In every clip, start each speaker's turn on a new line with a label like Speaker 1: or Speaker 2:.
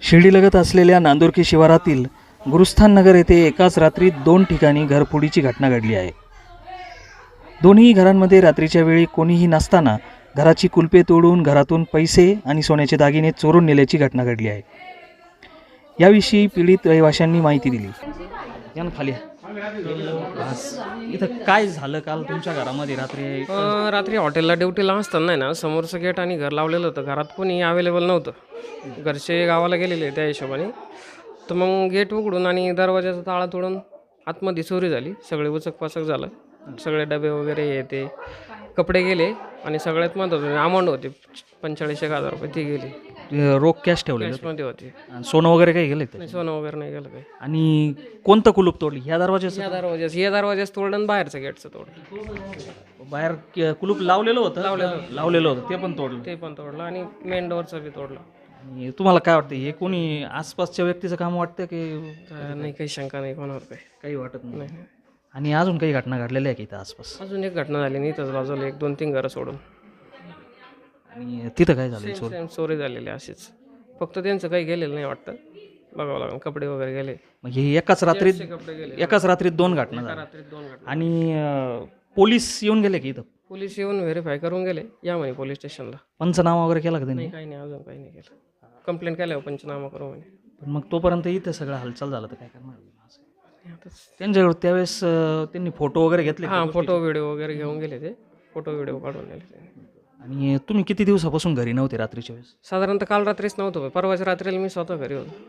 Speaker 1: शिर्डीलगत असलेल्या नांदुर्की शिवारातील गुरुस्थान नगर येथे एकाच रात्रीत 2 ठिकाणी घरफोडीची घटना घडली आहे। दोन्ही घरांमध्ये रात्रीच्या वेळी कोणीही नसताना घराची कुलपे तोडून घरातून पैसे आणि सोन्याचे दागिने चोरून नेल्याची घटना घडली आहे। याविषयी पीडित रहिवाशांनी माहिती दिली। यानं खाली इथं काय झालं काल तुमच्या घरामध्ये
Speaker 2: रात्री हॉटेलला ड्युटीला असताना ना समोरचं गेट आणि घर लावलेलं होतं। घरात कोणी अवेलेबल नव्हतं, घरचे गावाला गेलेले त्या हिशोबाने। तर मग गेट उघडून आणि दरवाजाचा ताळा तोडून आतमध्ये चोरी झाली। सगळे उचकपाचक झालं, सगळे डबे वगैरे हे ते कपडे गेले आणि सगळ्यात महत्त्वाचं अमाऊंट होते 45,000 रुपये ती गेली।
Speaker 1: रोख कॅश ठेवले
Speaker 2: मध्ये होती,
Speaker 1: सोनं वगैरे काही गेले
Speaker 2: नाही सोनं वगैरे नाही गेलं काही।
Speaker 1: आणि कोणतं कुलूप तोडली? ह्या दरवाजाचं?
Speaker 2: या दरवाजाच तोडलं आणि बाहेरचं गेटचं तोडलं।
Speaker 1: बाहेर कुलूप लावलेलं होतं ते पण तोडलं आणि मेन डोअरचं बी तोडलं। आणि तुम्हाला काय वाटतं, हे कोणी आसपासच्या व्यक्तीचं काम वाटतं की
Speaker 2: नाही, काही शंका नाही कोणावर
Speaker 1: काही वाटत नाही?
Speaker 2: नाही।
Speaker 1: आणि अजून काही घटना घडलेल्या आहे की इथं आसपास?
Speaker 2: अजून एक घटना झाली नाही इथंच बाजूला, 1-2-3 घरं सोडून।
Speaker 1: आणि तिथं काय झालं?
Speaker 2: सेम चोरी झालेली अशीच, फक्त त्यांचं काही गेलेलं नाही वाटतं, बघावं लागेल। कपडे वगैरे गेले,
Speaker 1: म्हणजे एकाच रात्रीत 2 घटना झाल्या।
Speaker 2: रात्रीत 2 घटना।
Speaker 1: आणि पोलीस येऊन गेले की इथं?
Speaker 2: पोलीस येऊन व्हेरीफाय करून गेले या म्हणे पोलीस स्टेशनला।
Speaker 1: पंचनामा वगैरे केला का त्यांनी?
Speaker 2: नाही, काही नाही, अजून काही नाही केलं। कंप्लेंट केल्यावर पंचनामा करू म्हणे।
Speaker 1: पण मग तोपर्यंत इथं सगळं हालचाल झालं तर काय करणार?
Speaker 2: आताच
Speaker 1: त्यांच्याकडे त्यावेळेस त्यांनी फोटो वगैरे घेतले?
Speaker 2: हां, फोटो व्हिडिओ वगैरे घेऊन गेले, ते फोटो व्हिडिओ काढून नेले ते।
Speaker 1: आणि तुम्ही किती दिवसापासून घरी नव्हते रात्रीच्या वेळेस?
Speaker 2: साधारणतः काल रात्रीच नव्हतं, परवाच्या रात्रीला मी स्वतः घरी होतो।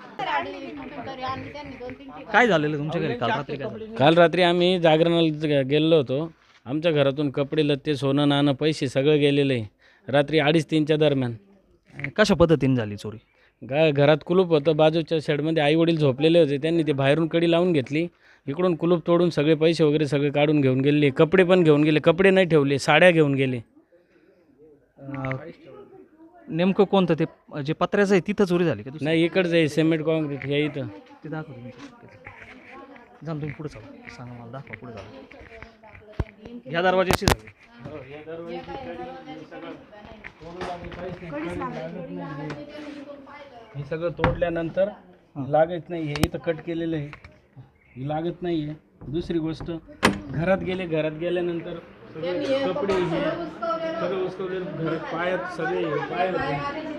Speaker 1: काय झालेलं तुमच्या घरी काल रात्री? काय झालं?
Speaker 3: काल रात्री आम्ही जागरणाला गेलेलो होतो। आमच्या घरातून कपडे लत्ते सोनं नाणं पैसे सगळं गेलेलं आहे रात्री 2:30-3च्या दरम्यान।
Speaker 1: आणि कशा पद्धतीने झाली चोरी?
Speaker 3: घरात कुलूप होतं, बाजूच्या शेडमध्ये आईवडील झोपलेले होते, त्यांनी ते बाहेरून कडी लावून घेतली, इकडून कुलूप तोडून सगळे पैसे वगैरे सगळे काढून घेऊन गेले। कपडे पण घेऊन गेले, कपडे नाही ठेवले, साड्या घेऊन गेले।
Speaker 1: नेमकं कोणतं ते जे पत्र्याचं आहे तिथं चोरी झाली का?
Speaker 3: नाही, इकडचं आहे सिमेंट कॉन्क्रीट या इथं।
Speaker 1: ते दाखवा तुम्ही। जा तुम्ही पुढे चालू, सांगा मला, दाखवा पुढे चालू। ह्या दरवाजाची झाली?
Speaker 3: हे सगळं तोडल्यानंतर लागत नाही, हे इथं कट केलेलं आहे, हे लागत नाही आहे। दुसरी गोष्ट, घरात गेल्यानंतर सगळे कपडे हे सगळं उसकवले, घरात पायात सगळे पाय होते,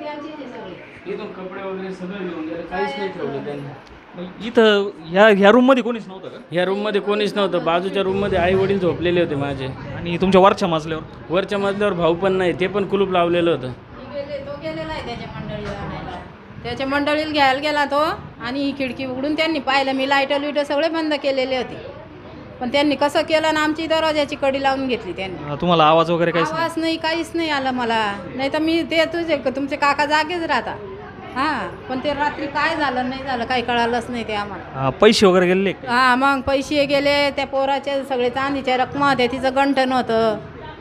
Speaker 3: इथून कपडे वगैरे सगळं घेऊन गेले, काहीच नाही ठेवलं त्यांनी।
Speaker 1: इथं ह्या रूममध्ये कोणीच नव्हतं का?
Speaker 3: ह्या रूममध्ये कोणीच नव्हतं, बाजूच्या रूममध्ये आई वडील झोपलेले होते माझे।
Speaker 1: आणि तुमच्या वरच्या मजल्यावर?
Speaker 3: वरच्या मजल्यावर भाऊ पण नाही, ते पण कुलूप लावलेलं होतं।
Speaker 4: तो गेलेला आहे त्याच्या मंडळीला घ्यायला गेला तो, आणि ही खिडकी उघडून त्यांनी पाहिलं, मी लाईट सगळे बंद केलेले होते, पण त्यांनी कसं केलं ना, आमची दरवाजाची कडी लावून घेतली त्यांनी।
Speaker 1: तुम्हाला आवाज वगैरे काहीच
Speaker 4: आवाज नाही, काहीच नाही आलं मला, नाही तर मी ते तुमचे काका जागेच राहता। हां, पण ते रात्री काय झालं नाही झालं काही कळालंच नाही ते आम्हाला।
Speaker 1: पैसे वगैरे गेले?
Speaker 4: हां, मग पैसे गेले, त्या पोराचे सगळे चांदीच्या रकमा होत्या, तिचं गंठण होतं,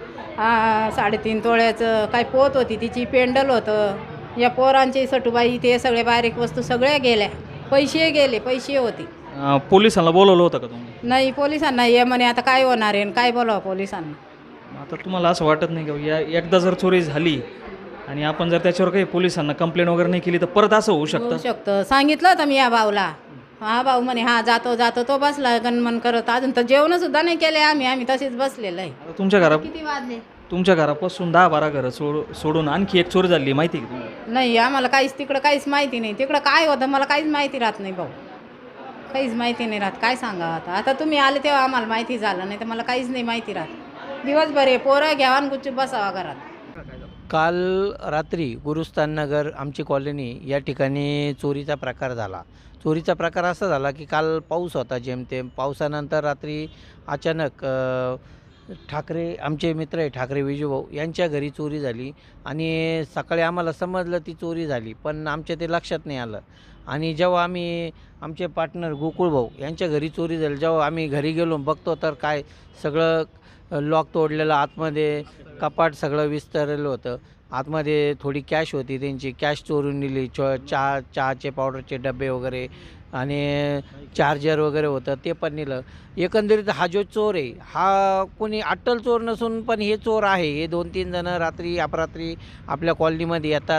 Speaker 4: 3.5 तोळ्याचं, काय पोत होती तिची, पेंडल होतं, या पोरांचे सटुबाई ते सगळे बारीक वस्तू सगळ्या गेल्या, पैसे गेले, पैसे होते।
Speaker 1: पोलिसांना बोलवलं होतं का तुम्ही?
Speaker 4: नाही, पोलिसांना ये म्हणे, आता काय होणार आहे, काय बोलावं पोलिसांना?
Speaker 1: आता तुम्हाला असं वाटत नाही का एकदा जर चोरी झाली आणि आपण जर त्याच्यावर काही पोलिसांना कंप्लेंट वगैरे नाही केली तर परत असं होऊ शकतं?
Speaker 4: सांगितलं होतं मी या भाऊला, हा भाऊ म्हणे हा जातो, तो बसला गणमन करत, अजून तर जेवण सुद्धा नाही केले आम्ही तसेच बसलेलं आहे। किती वाजले?
Speaker 1: तुमच्या घरापासून 10-12 घरं सोडून आणखी एक चोरी झाली, माहिती आहे का तुम्हाला?
Speaker 4: नाही, आम्हाला तिकडं काहीच माहिती नाही, तिकडं काय होतं मला काहीच माहिती राहत नाही भाऊ, काहीच माहिती नाही राहत, काय सांगा आता तुम्ही आले तेव्हा आम्हाला माहिती झालं, नाही तर मला काहीच नाही माहिती राहत। दिवसभर हे पोरं घ्यावा आणि गुच्छ बसावा घरात।
Speaker 5: काल रात्री गुरुस्थान नगर आमची कॉलनी या ठिकाणी चोरीचा प्रकार झाला। चोरीचा प्रकार असा झाला की काल पाऊस होता, जेमतेम पावसानंतर रात्री अचानक ठाकरे, आमचे मित्र आहे ठाकरे विजूभाऊ, यांच्या घरी चोरी झाली। आणि सकाळी आम्हाला समजलं ती चोरी झाली, पण आमच्या ते लक्षात नाही आलं। आणि जेव्हा आम्ही आमचे पार्टनर गोकुळभाऊ यांच्या घरी चोरी झाली, जेव्हा आम्ही घरी गेलो बघतो तर काय सगळं लॉक तोडलेलं, आतमध्ये कपाट सगळं विस्तारलेलं होतं, आतमध्ये थोडी कॅश होती, त्यांची कॅश चोरून नेली, चहाचे पावडरचे डबे वगैरे आणि चार्जर वगैरे होतं ते पण नेलं। एकंदरीत हा जो चोर आहे हा कोणी अट्टल चोर नसून पण हे चोर आहे। हे 2-3 जण रात्री अपरात्री आपल्या कॉलनीमध्ये येतात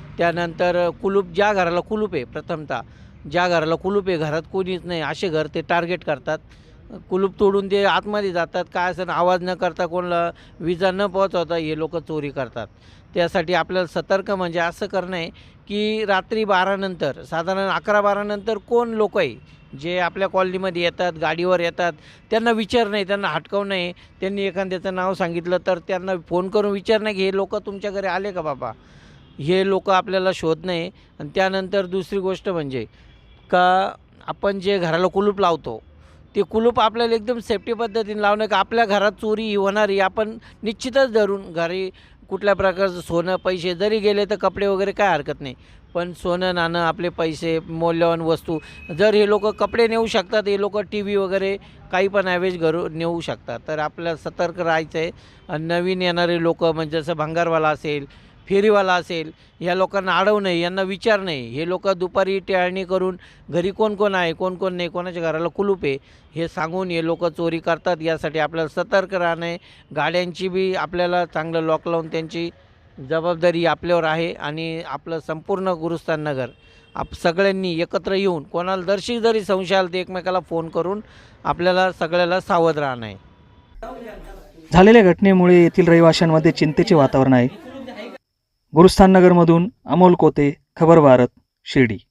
Speaker 5: त्यानंतर कुलूप, ज्या घराला कुलूप आहे, प्रथमतः ज्या घराला कुलूप आहे, घरात कोणीच नाही असे घर ते टार्गेट करतात. कुलूप तोडून ते आतमध्ये जातात, काय असं आवाज न करता, कोणाला विजा न पोहोचवता हे लोक चोरी करतात. त्यासाठी आपल्याला सतर्क म्हणजे असं करणं आहे की रात्री 12 नंतर, साधारण 11-12 नंतर कोण लोक आहे जे आपल्या कॉलनीमध्ये येतात, गाडीवर येतात, त्यांना विचार नाही, त्यांना हटकावू नाही. त्यांनी एखाद्याचं नाव सांगितलं तर त्यांना फोन करून विचार नाही की हे लोक तुमच्या घरी आले का बाबा, हे लोक आपल्याला शोध नाही. आणि त्यानंतर दुसरी गोष्ट म्हणजे का आपण जे घराला कुलूप लावतो ते कुलूप आपल्याला एकदम सेफ्टी पद्धतीने लावणं, का आपल्या घरात चोरी ही होणारी आपण निश्चितच धरून, घरी कुठल्या प्रकारचं सोनं पैसे जरी गेले तर कपडे वगैरे काय हरकत नाही, पण सोनं नाणं, आपले पैसे, मौल्यवान वस्तू, जर हे लोक कपडे नेऊ शकतात, हे लोक टी व्ही वगैरे काही पण ॲव्हेज घरून नेऊ शकतात. तर आपल्याला सतर्क राहायचं आहे. आणि नवीन येणारे लोक म्हणजे जसं भंगारवाला असेल, फेरीवाला असेल, या लोकांना अडवू नये, यांना विचार नाही. हे लोक दुपारी टहळणी करून घरी कोण कोण आहे, कोण कोण नाही, कोणाच्या घराला कुलूप आहे हे सांगून हे लोक चोरी करतात. यासाठी आपल्याला सतर्क राहणं आहे. गाड्यांची बी आपल्याला चांगलं लॉक लावून त्यांची जबाबदारी आपल्यावर आहे. आणि आपलं संपूर्ण गुरुस्थान नगर सगळ्यांनी एकत्र येऊन, कोणाला दर्शी जरी संशय आला तर एकमेकाला फोन करून आपल्याला सगळ्याला सावध राहणं आहे.
Speaker 1: झालेल्या घटनेमुळे येथील रहिवाशांमध्ये चिंतेचे वातावरण आहे. गुरुस्थान नगरमधून अमोल कोते, खबर भारत, शिर्डी.